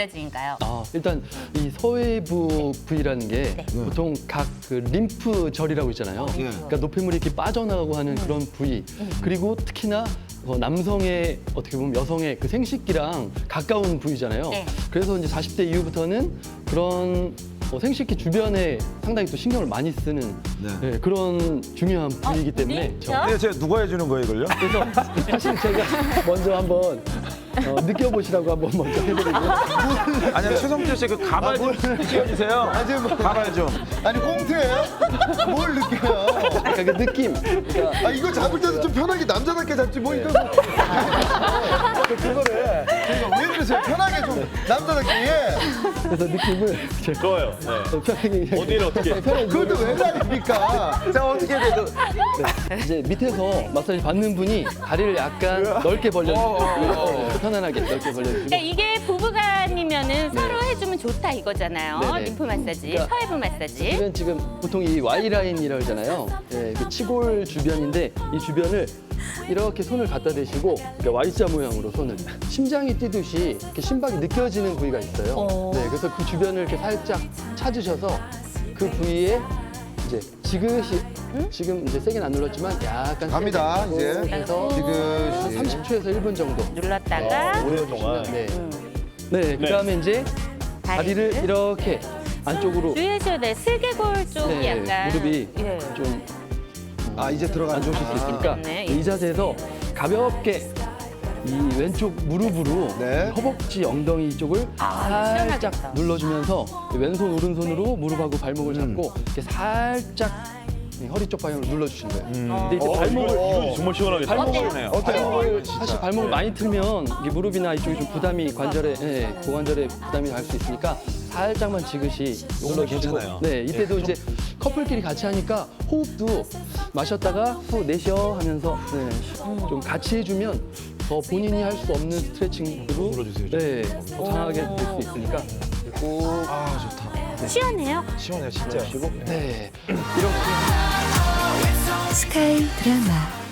마사지인가요? 일단 이 서해부 부위라는 게 보통 각 그 림프절이라고 있잖아요. 그러니까 노폐물이 이렇게 빠져나가고 하는 그런 부위. 그리고 특히나 남성의 어떻게 보면 여성의 그 생식기랑 가까운 부위잖아요. 네. 그래서 이제 40대 이후부터는 그런 생식기 주변에 상당히 또 신경을 많이 쓰는 네, 그런 중요한 부위이기 때문에 진짜? 근데 제가 누가 해주는 거예요, 이걸요? 그래서 사실 제가 먼저 한번 느껴보시라고 한번 먼저 해드리고 아니, 최성철 씨 그 가발 좀 느껴주세요. 가발 좀. 아니 꽁트예요? 뭘 느껴요? 약간 그 느낌. 그러니까 이거 잡을 때도 좀 편하게 남자답게 잡지 뭐 이거 그거를 그러니까 왜 그러세요? 편하게 좀 남자답게 그래서 느낌을 좋아요. 편하게 어디를 어떻게? 그걸 또 왜 다닙니까? 자, 어떻게 돼도. 이제 밑에서 마사지 받는 분이 다리를 약간 넓게 벌려주고 편안하게 넓게 벌려주고 그러니까 이게 부부간이면은 서로 해주면 좋다 이거잖아요. 네네. 림프 마사지, 그러니까 서해부 마사지. 이건 지금 보통 이 Y라인이라고 하잖아요. 네, 그 치골 주변인데 이 주변을 이렇게 손을 갖다 대시고 Y자 모양으로 손을 심장이 뛰듯이 이렇게 심박이 느껴지는 부위가 있어요. 네, 그래서 그 주변을 이렇게 살짝 찾으셔서 그 부위에 이제 지그시 지금 이제 세게는 안 눌렀지만 약간 갑니다, 세게 이제. 해서 지그시. 30초에서 1분 정도. 눌렀다가 오랫동안. 네. 네, 그다음에 이제 다리를 이렇게 안쪽으로 주의하셔야 돼요. 슬개골 쪽이 네, 약간 무릎이 예. 좀 이제 안 들어가는 좋으실 수 있으니까 네. 이 자세에서 가볍게 이 왼쪽 무릎으로 네. 허벅지 엉덩이 쪽을 살짝 시원하겠다. 눌러주면서 왼손 오른손으로 무릎하고 발목을 잡고 이렇게 살짝 허리 쪽 방향으로 눌러주시는 거예요. 근데 이제 발목을 이건 정말 시원하겠다. 발목을 사실 발목을 많이 틀면 이게 무릎이나 이쪽이 좀 부담이 관절에 고관절에 부담이 갈 수 있으니까 살짝만 지그시 눌러주시고 괜찮아요. 네 이때도 이제 커플끼리 같이 하니까 호흡도 마셨다가 후 내쉬어 하면서 좀 같이 해주면 더 본인이 할 수 없는 스트레칭으로 더 강하게 될 수 있으니까 꼭 시원해요. 시원해요, 진짜. 하시고 네 이렇게 스카이 드라마